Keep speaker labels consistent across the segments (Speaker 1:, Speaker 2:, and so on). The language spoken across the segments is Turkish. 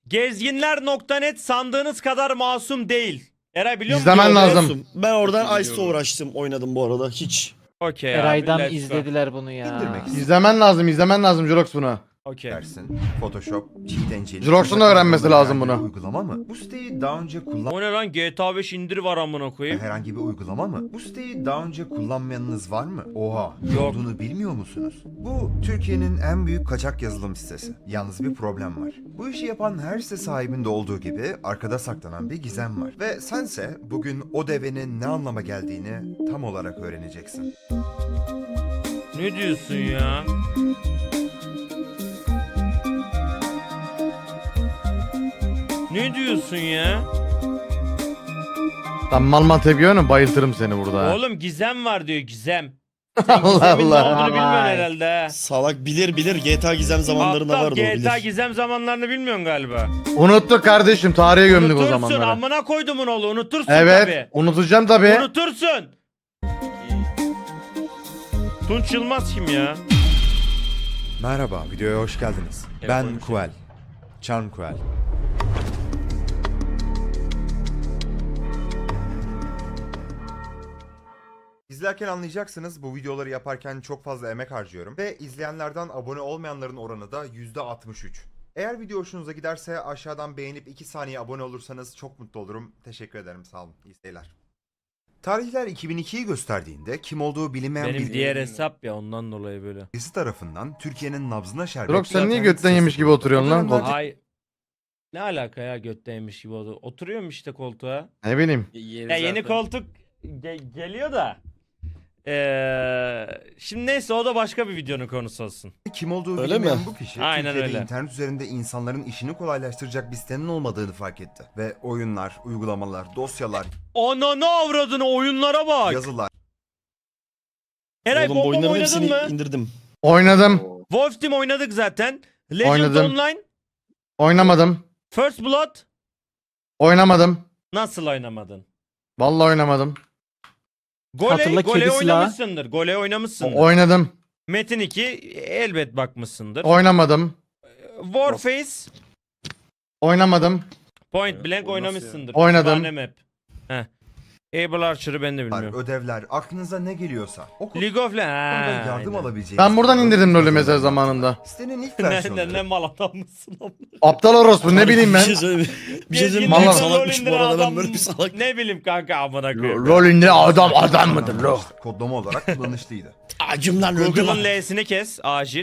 Speaker 1: Gezginler.net sandığınız kadar masum değil. Eray biliyor musun?
Speaker 2: İzlemen lazım.
Speaker 3: Olsun. Ben oradan Ice'la uğraştım, oynadım bu arada hiç.
Speaker 1: Okey abi.
Speaker 4: Eray'dan
Speaker 1: let's go.
Speaker 4: izlediler bunu ya.
Speaker 5: İndirmek
Speaker 2: İzlemen lazım Jurox bunu.
Speaker 1: Okey.
Speaker 5: dersin. Photoshop, Cheat Engine.
Speaker 2: Jirox'un da öğrenmesi lazım bunu.
Speaker 5: Uygulama mı? Bu siteyi daha önce
Speaker 1: O ne lan, GTA 5 indir var amına koyayım.
Speaker 5: herhangi bir uygulama mı? Bu siteyi daha önce kullanmayanınız var mı? Oha,
Speaker 1: Yok.
Speaker 5: olduğunu bilmiyor musunuz? Bu Türkiye'nin en büyük kaçak yazılım sitesi. Yalnız bir problem var. Bu işi yapan her site sahibinde olduğu gibi arkada saklanan bir gizem var. Ve sense bugün o devenin ne anlama geldiğini tam olarak öğreneceksin.
Speaker 1: Ne diyorsun ya? Ne diyorsun ya?
Speaker 2: Lan mal tepiyorsun, bayıltırım seni burada.
Speaker 1: Oğlum gizem var diyor, gizem. Sen
Speaker 2: Allah
Speaker 1: gizemin ne
Speaker 2: Allah.
Speaker 1: olduğunu bilmiyorsun herhalde ha.
Speaker 3: Salak bilir GTA gizem zamanlarında
Speaker 1: Aptal,
Speaker 3: vardı o
Speaker 1: GTA
Speaker 3: bilir.
Speaker 1: gizem zamanlarını bilmiyorsun galiba.
Speaker 2: Unuttuk kardeşim, tarihe gömdük o
Speaker 1: Unutursun,
Speaker 2: zamanları.
Speaker 1: amına koydumun oğlu, unutursun
Speaker 2: Evet,
Speaker 1: tabii.
Speaker 2: unutacağım tabii.
Speaker 1: Unutursun. Tunç Yılmaz kim ya?
Speaker 5: Merhaba, videoya hoş geldiniz.
Speaker 1: Evet,
Speaker 5: Ben
Speaker 1: hoş
Speaker 5: Kuel. Charm Kuel. İzlerken anlayacaksınız, bu videoları yaparken çok fazla emek harcıyorum ve izleyenlerden abone olmayanların oranı da %63. Eğer video hoşunuza giderse aşağıdan beğenip 2 saniye abone olursanız çok mutlu olurum. Teşekkür ederim, sağ olun. İyi seyirler. Tarihler 2002'yi gösterdiğinde kim olduğu bilinmeyen
Speaker 1: Benim
Speaker 5: bir
Speaker 1: diğer hesap ya, ondan dolayı böyle.
Speaker 5: birisi tarafından Türkiye'nin nabzına şerbet...
Speaker 2: Jurox sen niye
Speaker 5: internet
Speaker 2: götten yemiş
Speaker 5: sitesi
Speaker 2: gibi
Speaker 5: kuruldu.
Speaker 2: oturuyorsun lan
Speaker 5: O dönemler
Speaker 2: koltuğa?
Speaker 1: Ay. Ne alaka ya, götteymiş gibi oldu. Oturuyorum işte koltuğa.
Speaker 2: Ne bileyim.
Speaker 1: Ya yeni koltuk geliyor da. Şimdi neyse, o da başka bir videonun konusu olsun.
Speaker 5: Kim olduğu
Speaker 3: Öyle
Speaker 5: bilinmeyen
Speaker 3: mi?
Speaker 5: bu kişi
Speaker 1: Aynen
Speaker 5: Türkiye'de
Speaker 1: öyle.
Speaker 5: internet üzerinde insanların işini kolaylaştıracak bir sitenin olmadığını fark etti. Ve oyunlar, uygulamalar, dosyalar,
Speaker 1: Ananı avradını, oyunlara bak.
Speaker 5: yazılar,
Speaker 1: Eray
Speaker 3: Oğlum bu
Speaker 1: Bomb
Speaker 3: oyunların
Speaker 1: oynadın
Speaker 3: hepsini
Speaker 1: mı?
Speaker 3: indirdim.
Speaker 2: Oynadım.
Speaker 1: Wolf Team oynadık zaten. Legends
Speaker 2: Oynadım.
Speaker 1: Online,
Speaker 2: Oynamadım.
Speaker 1: First Blood.
Speaker 2: Oynamadım.
Speaker 1: Nasıl oynamadın?
Speaker 2: Vallahi oynamadım.
Speaker 4: Hatırla
Speaker 1: Gole
Speaker 4: kedi silahı.
Speaker 1: oynamışsındır. Gole oynamışsındır.
Speaker 2: Oynadım.
Speaker 1: Metin 2 elbet bakmışsındır.
Speaker 2: Oynamadım.
Speaker 1: Warface,
Speaker 2: Oynamadım.
Speaker 1: Point Blank oynamışsındır.
Speaker 2: Oynadım.
Speaker 1: Kütüphane map. Heh. Able Archer'ı ben de bilmiyorum.
Speaker 5: ödevler, aklınıza ne geliyorsa. O konuda
Speaker 1: League of Legends.
Speaker 5: yardım alabileceğiniz...
Speaker 2: Ben buradan indirdim LoL'ü mesela zamanında.
Speaker 5: Sitenin ilk
Speaker 1: Ne
Speaker 5: versiyonları...
Speaker 1: mal adammışsın amına.
Speaker 2: Aptal orospu ne bileyim ben.
Speaker 3: Bir şey söyleyeyim. Bir şey söyleyeyim.
Speaker 2: Gezginler
Speaker 3: Büyük
Speaker 2: LoL
Speaker 3: salakmış bu
Speaker 1: indiren
Speaker 3: arada ben
Speaker 1: adam-
Speaker 3: böyle bir salak.
Speaker 1: Ne bileyim kanka, amına koyayım.
Speaker 2: LoL'ünde adam mıdır lo?
Speaker 5: Kodlama olarak kullanışlıydı.
Speaker 3: Acımdan öldüm.
Speaker 1: Google'ın L'sini kes acil.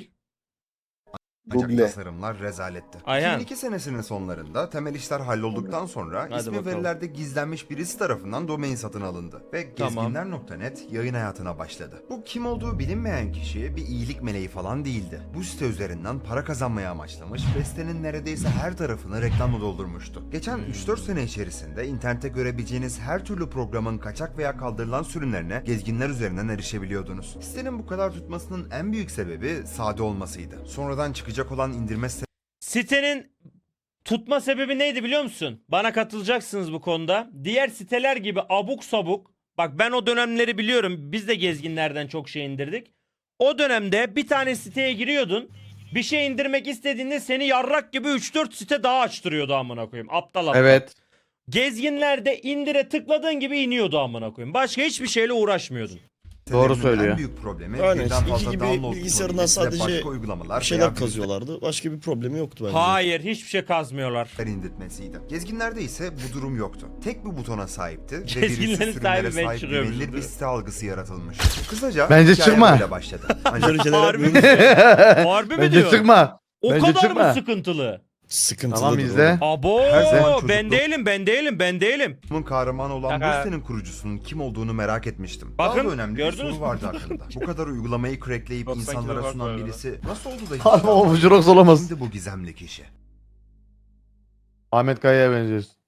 Speaker 5: Ancak
Speaker 6: Google.
Speaker 5: tasarımlar rezaletti.
Speaker 1: Ayhan.
Speaker 5: 2002 senesinin sonlarında temel işler hallolduktan sonra
Speaker 1: Hadi
Speaker 5: ismi
Speaker 1: bakalım.
Speaker 5: verilerde gizlenmiş birisi tarafından domain satın alındı ve
Speaker 1: Tamam.
Speaker 5: gezginler.net yayın hayatına başladı. Bu kim olduğu bilinmeyen kişi bir iyilik meleği falan değildi. Bu site üzerinden para kazanmaya amaçlamış ve sitenin neredeyse her tarafını reklamla doldurmuştu. Geçen 3-4 sene içerisinde internette görebileceğiniz her türlü programın kaçak veya kaldırılan sürümlerine gezginler üzerinden erişebiliyordunuz. Sitenin bu kadar tutmasının en büyük sebebi sade olmasıydı. Sonradan çıkacak olan indirme
Speaker 1: Sitenin tutma sebebi neydi biliyor musun? Bana katılacaksınız bu konuda. Diğer siteler gibi abuk sabuk. Bak ben o dönemleri biliyorum. Biz de gezginlerden çok şey indirdik. O dönemde bir tane siteye giriyordun. Bir şey indirmek istediğinde seni yarrak gibi 3-4 site daha açtırıyordu amına koyayım. Aptal aptal.
Speaker 2: Evet.
Speaker 1: Gezginlerde indire tıkladığın gibi iniyordu amına koyayım. Başka hiçbir şeyle uğraşmıyordun.
Speaker 2: Doğru
Speaker 5: sitelerinin
Speaker 2: söylüyor.
Speaker 5: En büyük problemi
Speaker 3: Aynen,
Speaker 5: birden
Speaker 3: iki
Speaker 5: fazla
Speaker 3: gibi
Speaker 5: download
Speaker 3: bilgisayarından
Speaker 5: kullanıcısı ve
Speaker 3: sadece
Speaker 5: başka uygulamalar
Speaker 3: Bir şeyler
Speaker 5: veya
Speaker 3: kazıyorlardı. Başka bir problemi yoktu bence.
Speaker 1: Hayır, hiçbir şey kazmıyorlar.
Speaker 5: virüsler indirtmesiydi. Gezginlerde ise bu durum yoktu. Tek bir butona sahipti ve
Speaker 1: Gezginlerin
Speaker 5: virüsüz sürümlere
Speaker 1: sahibi ben
Speaker 5: sahip
Speaker 1: çıkıyormuşum,
Speaker 5: güvenilir bir
Speaker 1: değil mi?
Speaker 5: site algısı yaratılmış. Kısaca
Speaker 2: Bence
Speaker 5: hikaye
Speaker 2: çıkma.
Speaker 5: böyle başladı. Ancak
Speaker 3: Böyle şeyler
Speaker 1: Harbi mi?
Speaker 3: yapmıyoruz.
Speaker 1: Harbi mi
Speaker 2: Bence
Speaker 1: diyor?
Speaker 2: çıkma.
Speaker 1: O
Speaker 2: Bence
Speaker 1: kadar
Speaker 2: çıkma.
Speaker 1: mı sıkıntılı?
Speaker 3: Sıkıntılı.
Speaker 2: Tamam izle.
Speaker 1: Abo,
Speaker 5: Her zaman
Speaker 1: ben
Speaker 5: çocukluk-
Speaker 1: değilim.
Speaker 5: bunun kahramanı olan
Speaker 1: Kaka.
Speaker 5: bu sitenin kurucusunun kim olduğunu merak etmiştim.
Speaker 1: Bakın,
Speaker 5: Daha da önemli bir
Speaker 1: gördünüz
Speaker 5: soru
Speaker 1: mü?
Speaker 5: vardı aklımda. Bu kadar uygulamayı crackleyip
Speaker 1: 90
Speaker 5: insanlara
Speaker 1: kilo
Speaker 5: sunan
Speaker 1: var
Speaker 5: birisi nasıl oldu da hiç
Speaker 2: Ama o Jurox olamaz.
Speaker 5: Kimdi bu gizemli kişi?
Speaker 2: Ahmet Kaya'ya benziyorsun.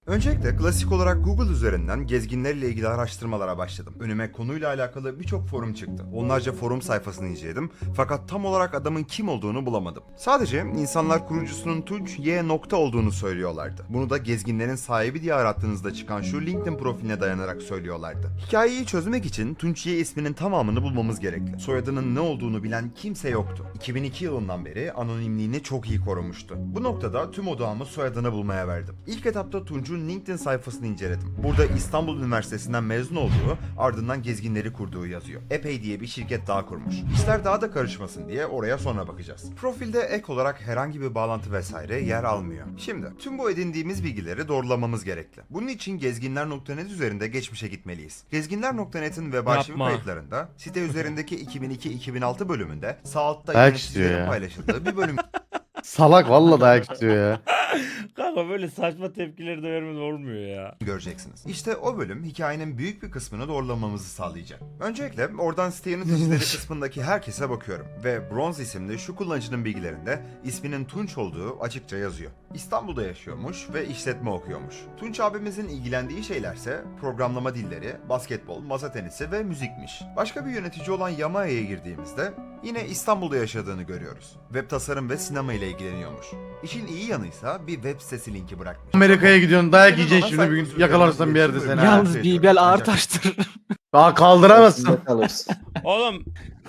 Speaker 5: Öncelikle klasik olarak Google üzerinden gezginlerle ilgili araştırmalara başladım. Önüme konuyla alakalı birçok forum çıktı. Onlarca forum sayfasını inceledim fakat tam olarak adamın kim olduğunu bulamadım. Sadece insanlar kurucusunun Tunç Y. nokta olduğunu söylüyorlardı. Bunu da gezginlerin sahibi diye arattığınızda çıkan şu LinkedIn profiline dayanarak söylüyorlardı. Hikayeyi çözmek için Tunç Y isminin tamamını bulmamız gerekli. Soyadının ne olduğunu bilen kimse yoktu. 2002 yılından beri anonimliğini çok iyi korumuştu. Bu noktada tüm odağımı soyadını bulmaya verdim. İlk etapta Tunç'un LinkedIn sayfasını inceledim. Burada İstanbul Üniversitesi'nden mezun olduğu, ardından gezginleri kurduğu yazıyor. Epey diye bir şirket daha kurmuş. İşler daha da karışmasın diye oraya sonra bakacağız. Profilde ek olarak herhangi bir bağlantı vesaire yer almıyor. Şimdi tüm bu edindiğimiz bilgileri doğrulamamız gerekli. Bunun için gezginler.net üzerinde geçmişe gitmeliyiz. Gezginler.net'in web arşivi
Speaker 1: Yapma.
Speaker 5: kayıtlarında site üzerindeki 2002-2006 bölümünde sağ altta
Speaker 2: Dayak istiyor
Speaker 5: yöneticilerin
Speaker 2: ya.
Speaker 5: paylaşıldığı bir bölüm
Speaker 2: Salak valla dayak istiyor ya.
Speaker 1: Kanka böyle saçma tepkileri de vermeden olmuyor ya.
Speaker 5: göreceksiniz. İşte o bölüm hikayenin büyük bir kısmını doğrulamamızı sağlayacak. Öncelikle oradan site yöneticileri kısmındaki herkese bakıyorum ve Bronze isimli şu kullanıcının bilgilerinde isminin Tunç olduğu açıkça yazıyor. İstanbul'da yaşıyormuş ve işletme okuyormuş. Tunç abimizin ilgilendiği şeylerse programlama dilleri, basketbol, masa tenisi ve müzikmiş. Başka bir yönetici olan Yamaya'ya girdiğimizde yine İstanbul'da yaşadığını görüyoruz. Web tasarım ve sinema ile ilgileniyormuş. İşin iyi yanıysa bir web sitesi linki bırakmış.
Speaker 2: Amerika'ya gidiyorsun dayak
Speaker 5: Senin
Speaker 2: yiyeceksin
Speaker 5: ana
Speaker 2: şimdi bir gün
Speaker 5: sayfası
Speaker 2: yakalarsan bir
Speaker 5: üzerinden
Speaker 2: yerde seni.
Speaker 5: iletişim
Speaker 2: ha.
Speaker 5: bölümü-
Speaker 4: Yalnız Bibel ağır taştır.
Speaker 2: Daha kaldıramazsın.
Speaker 1: Oğlum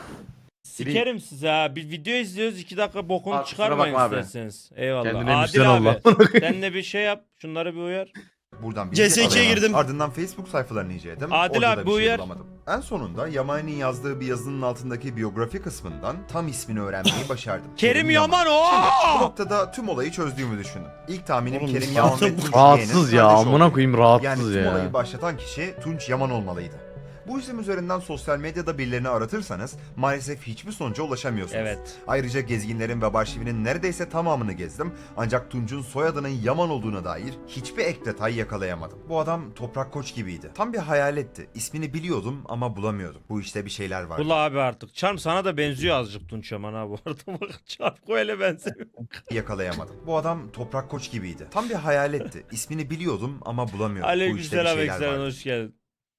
Speaker 1: sikerim size ha. Bir video izliyoruz 2 dakika bokunu
Speaker 2: Aa, kusura
Speaker 1: çıkarmayın
Speaker 2: bakma abi.
Speaker 1: isterseniz. Eyvallah.
Speaker 2: Kendine
Speaker 1: Adil
Speaker 2: müsten ol
Speaker 1: abi.
Speaker 2: lan.
Speaker 1: Sen de bir şey yap. Şunları bir uyar.
Speaker 5: Buradan
Speaker 3: CS2'ye
Speaker 5: alıyorum.
Speaker 3: girdim.
Speaker 5: Ardından Facebook sayfalarını inceledim.
Speaker 1: Adil
Speaker 5: Orada
Speaker 1: abi,
Speaker 5: da
Speaker 1: bu
Speaker 5: bir şey
Speaker 1: uyar.
Speaker 5: bulamadım. En sonunda Yaman'ın yazdığı bir yazının altındaki biyografi kısmından tam ismini öğrenmeyi başardım.
Speaker 1: Kerim Yaman o.
Speaker 5: Bu noktada tüm olayı çözdüğümü düşündüm. İlk tahminim
Speaker 3: Oğlum,
Speaker 5: Kerim Yaman ve
Speaker 3: zaten
Speaker 5: Tunç
Speaker 2: Rahatsız
Speaker 5: Y'nin
Speaker 2: ya
Speaker 5: kardeş
Speaker 2: amına
Speaker 5: olduğu.
Speaker 2: koyayım
Speaker 5: Yani
Speaker 2: rahatsız
Speaker 5: tüm olayı
Speaker 2: ya.
Speaker 5: başlatan kişi Tunç Yaman olmalıydı. Bu isim üzerinden sosyal medyada birilerini aratırsanız maalesef hiçbir sonuca ulaşamıyorsunuz.
Speaker 1: Evet.
Speaker 5: Ayrıca gezginlerin web arşivinin neredeyse tamamını gezdim ancak Tunç'un soyadının Yaman olduğuna dair hiçbir ek detay yakalayamadım. Bu adam Toprak Koç gibiydi. Tam bir hayaletti. İsmini biliyordum ama bulamıyordum. Bu işte bir şeyler vardı.
Speaker 1: Bul abi artık. Çarm sana da benziyor azıcık Tunç Yaman ha bu arada. Bak Çarm öyle benziyor.
Speaker 5: Yakalayamadım. Bu adam Toprak Koç gibiydi. Tam bir hayaletti. İsmini biliyordum ama bulamıyordum. Bu işte bir
Speaker 1: Aleykümselam
Speaker 5: şeyler
Speaker 1: Eksen
Speaker 5: vardı.
Speaker 1: hoş geldin.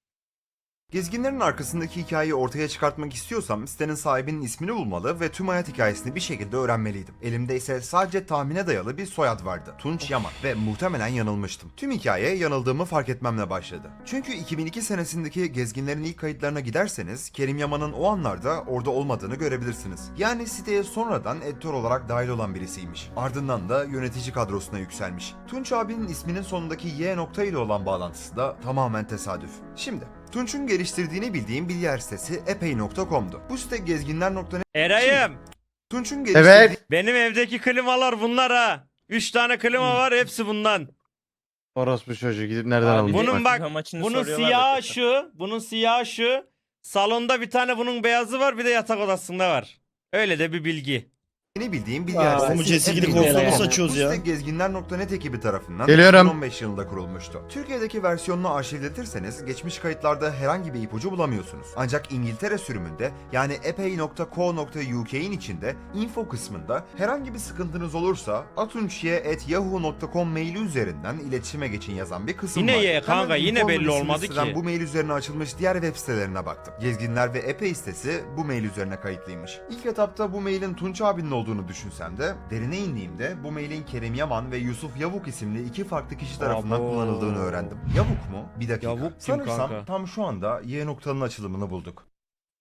Speaker 5: Gezginlerin arkasındaki hikayeyi ortaya çıkartmak istiyorsam sitenin sahibinin ismini bulmalı ve tüm hayat hikayesini bir şekilde öğrenmeliydim. Elimde ise sadece tahmine dayalı bir soyad vardı. Tunç Yaman ve muhtemelen yanılmıştım. Tüm hikaye yanıldığımı fark etmemle başladı. Çünkü 2002 senesindeki gezginlerin ilk kayıtlarına giderseniz Kerim Yaman'ın o anlarda orada olmadığını görebilirsiniz. Yani siteye sonradan editör olarak dahil olan birisiymiş. Ardından da yönetici kadrosuna yükselmiş. Tunç abinin isminin sonundaki Y nokta ile olan bağlantısı da tamamen tesadüf. Şimdi Tunç'un geliştirdiğini bildiğim bir yer sitesi epey.com'du. Bu site gezginler.net
Speaker 1: Eray'ım.
Speaker 5: Tunç'un geliştirdiği
Speaker 2: Evet.
Speaker 1: Benim evdeki klimalar bunlar ha. 3 tane klima var hepsi bundan.
Speaker 2: Orospu çocuğu gidip nereden
Speaker 6: Abi,
Speaker 2: aldın?
Speaker 1: Bunun bak
Speaker 6: Amaçını
Speaker 1: bunun
Speaker 6: soruyorlar
Speaker 1: siyahı
Speaker 6: da.
Speaker 1: şu. Bunun siyahı şu. Salonda bir tane bunun beyazı var bir de yatak odasında var. Öyle de bir bilgi.
Speaker 5: bildiğim bir yer
Speaker 3: Oğlum bu
Speaker 5: sitesi.
Speaker 3: CS2'lik
Speaker 5: Epey.com.
Speaker 3: ortamı
Speaker 5: Bu
Speaker 3: saçıyoruz ya.
Speaker 5: site gezginler.net ekibi tarafından
Speaker 2: Geliyorum.
Speaker 5: 2015 yılında kurulmuştu. Türkiye'deki versiyonunu arşivletirseniz geçmiş kayıtlarda herhangi bir ipucu bulamıyorsunuz. Ancak İngiltere sürümünde yani epey.co.uk'in içinde info kısmında herhangi bir sıkıntınız olursa atunçye@yahoo.com maili üzerinden iletişime geçin yazan bir kısım
Speaker 1: Yine
Speaker 5: var.
Speaker 1: ye kanka,
Speaker 5: Hemen
Speaker 1: yine
Speaker 5: informal
Speaker 1: belli
Speaker 5: isimli
Speaker 1: olmadı
Speaker 5: siteden
Speaker 1: ki.
Speaker 5: Bu mail üzerine açılmış diğer web sitelerine baktım. Gezginler ve Epey sitesi bu mail üzerine kayıtlıymış. İlk etapta bu mailin Tunç abinin olduğunu düşünsem de derine indiğimde bu mailin Kerim Yaman ve Yusuf Yavuk isimli iki farklı kişi tarafından
Speaker 1: Abo.
Speaker 5: kullanıldığını öğrendim. Yavuk mu? Bir dakika.
Speaker 1: Yavuk kim
Speaker 5: Sanırsam
Speaker 1: kanka?
Speaker 5: tam şu anda Y noktanın açılımını bulduk.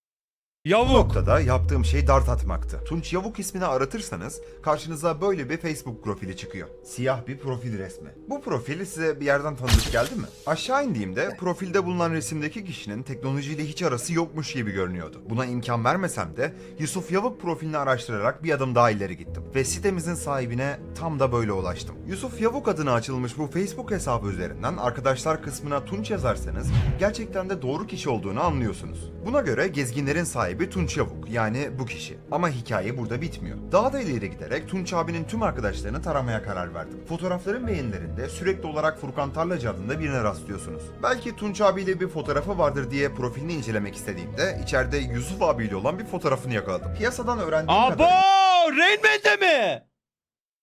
Speaker 5: Bu
Speaker 1: Yavuk.
Speaker 5: noktada yaptığım şey dart atmaktı. Tunç Yavuk ismini aratırsanız karşınıza böyle bir Facebook profili çıkıyor. Siyah bir profil resmi. Bu profil size bir yerden tanıdık geldi mi? Aşağı indiğimde profilde bulunan resimdeki kişinin teknolojiyle hiç arası yokmuş gibi görünüyordu. Buna imkan vermesem de Yusuf Yavuk profilini araştırarak bir adım daha ileri gittim. Ve sitemizin sahibine tam da böyle ulaştım. Yusuf Yavuk adına açılmış bu Facebook hesabı üzerinden arkadaşlar kısmına Tunç yazarsanız gerçekten de doğru kişi olduğunu anlıyorsunuz. Buna göre gezginlerin sahibi Tunç Yavuk yani bu kişi. Ama hikaye burada bitmiyor. Daha da ileri giderek Tunç abinin tüm arkadaşlarını taramaya karar verdim. Fotoğrafların beğenilerinde sürekli olarak Furkan Tarlacı adında birine rastlıyorsunuz. Belki Tunç abiyle bir fotoğrafı vardır diye profilini incelemek istediğimde içeride Yusuf abiyle olan bir fotoğrafını yakaladım. Piyasadan öğrendiğim
Speaker 1: Abo!
Speaker 5: kadarıyla
Speaker 1: Rain Man'de mi?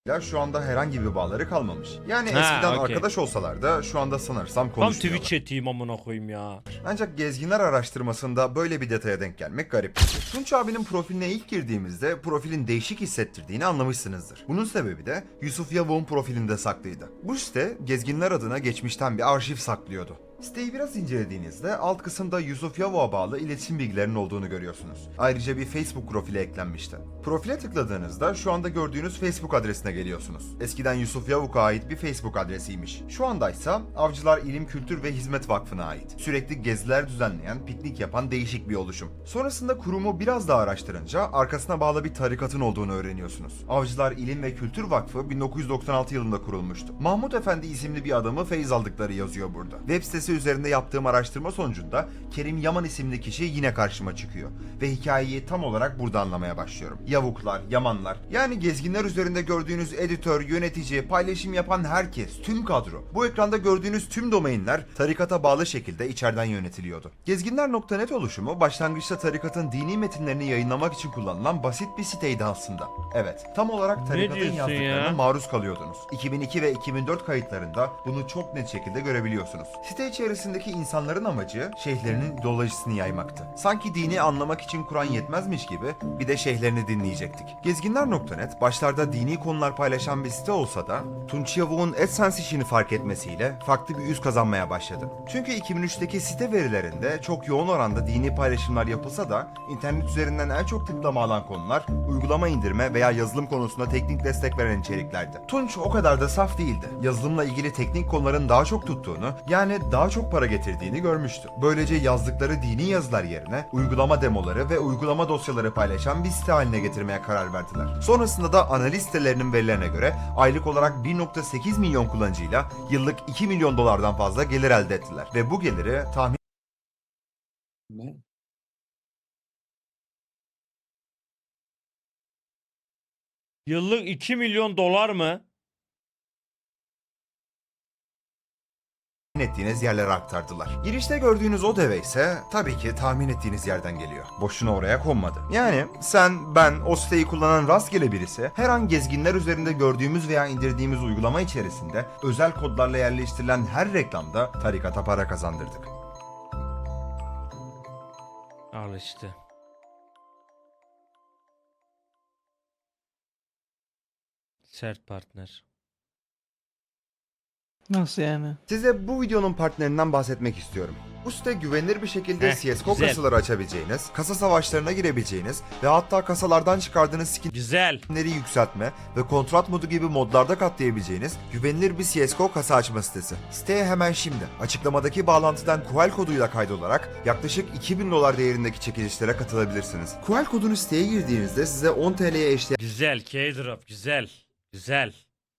Speaker 5: Ya şu anda herhangi bir bağları kalmamış. Yani
Speaker 1: Ha,
Speaker 5: eskiden
Speaker 1: okey.
Speaker 5: arkadaş olsalar da şu anda sanırsam
Speaker 1: Tam
Speaker 5: konuşmuyorlar.
Speaker 1: Twitch chat'iyim amına koyayım ya.
Speaker 5: Ancak gezginler araştırmasında böyle bir detaya denk gelmek garip. Tunç abinin profiline ilk girdiğimizde profilin değişik hissettirdiğini anlamışsınızdır. Bunun sebebi de Yusuf Yavuk'un profilinde saklıydı. Bu site gezginler adına geçmişten bir arşiv saklıyordu. Siteyi biraz incelediğinizde alt kısımda Yusuf Yavuk'a bağlı iletişim bilgilerinin olduğunu görüyorsunuz. Ayrıca bir Facebook profili eklenmişti. Profile tıkladığınızda şu anda gördüğünüz Facebook adresine geliyorsunuz. Eskiden Yusuf Yavuk'a ait bir Facebook adresiymiş. Şu andaysa Avcılar İlim Kültür ve Hizmet Vakfı'na ait. Sürekli geziler düzenleyen, piknik yapan değişik bir oluşum. Sonrasında kurumu biraz daha araştırınca arkasına bağlı bir tarikatın olduğunu öğreniyorsunuz. Avcılar İlim ve Kültür Vakfı 1996 yılında kurulmuştu. Mahmut Efendi isimli bir adamı feyz aldıkları yazıyor burada. Web sitesi üzerinde yaptığım araştırma sonucunda Kerim Yaman isimli kişi yine karşıma çıkıyor. Ve hikayeyi tam olarak burada anlamaya başlıyorum. Yavuklar, Yamanlar, yani gezginler üzerinde gördüğünüz editör, yönetici, paylaşım yapan herkes, tüm kadro. Bu ekranda gördüğünüz tüm domainler tarikata bağlı şekilde içeriden yönetiliyordu. Gezginler.net oluşumu başlangıçta tarikatın dini metinlerini yayınlamak için kullanılan basit bir siteydi aslında. Evet, tam olarak tarikatın
Speaker 1: diyorsun
Speaker 5: yazdıklarına
Speaker 1: ya?
Speaker 5: maruz kalıyordunuz. 2002 ve 2004 kayıtlarında bunu çok net şekilde görebiliyorsunuz. Site içerisindeki insanların amacı şeyhlerinin ideolojisini yaymaktı. Sanki dini anlamak için Kur'an yetmezmiş gibi bir de şeyhlerini dinleyecektik. Gezginler.net başlarda dini konular paylaşan bir site olsa da Tunç Yavuk'un AdSense işini fark etmesiyle farklı bir yüz kazanmaya başladı. Çünkü 2003'teki site verilerinde çok yoğun oranda dini paylaşımlar yapılsa da internet üzerinden en çok tıklama alan konular uygulama indirme veya yazılım konusunda teknik destek veren içeriklerdi. Tunç o kadar da saf değildi. Yazılımla ilgili teknik konuların daha çok tuttuğunu, yani daha çok para getirdiğini görmüştü. Böylece yazdıkları dini yazılar yerine uygulama demoları ve uygulama dosyaları paylaşan bir site haline getirmeye karar verdiler. Sonrasında da analiz sitelerinin verilerine göre aylık olarak 1.8 milyon kullanıcıyla yıllık 2 milyon dolardan fazla gelir elde ettiler. Ve bu geliri tahmin
Speaker 1: Yıllık 2 milyon dolar mı?
Speaker 5: ettiğiniz yerlere aktardılar. Girişte gördüğünüz o deve ise tabii ki tahmin ettiğiniz yerden geliyor. Boşuna oraya konmadı. Yani sen, ben, o siteyi kullanan rastgele birisi her an gezginler üzerinde gördüğümüz veya indirdiğimiz uygulama içerisinde özel kodlarla yerleştirilen her reklamda tarikata para kazandırdık.
Speaker 1: Al işte. Sert partner.
Speaker 4: Nasıl yani?
Speaker 5: Size bu videonun partnerinden bahsetmek istiyorum. Bu site güvenilir bir şekilde CSGO
Speaker 1: güzel.
Speaker 5: kasaları açabileceğiniz, kasa savaşlarına girebileceğiniz ve hatta kasalardan çıkardığınız
Speaker 1: Güzel.
Speaker 5: skinleri yükseltme ve kontrat modu gibi modlarda katlayabileceğiniz güvenilir bir CSGO kasa açma sitesi. Siteye hemen şimdi açıklamadaki bağlantıdan QUEL koduyla kaydolarak yaklaşık 2000 dolar değerindeki çekilişlere katılabilirsiniz. QUEL kodunu siteye girdiğinizde size 10 TL'ye eşdeğer
Speaker 1: Güzel. K-drop. Güzel. Güzel.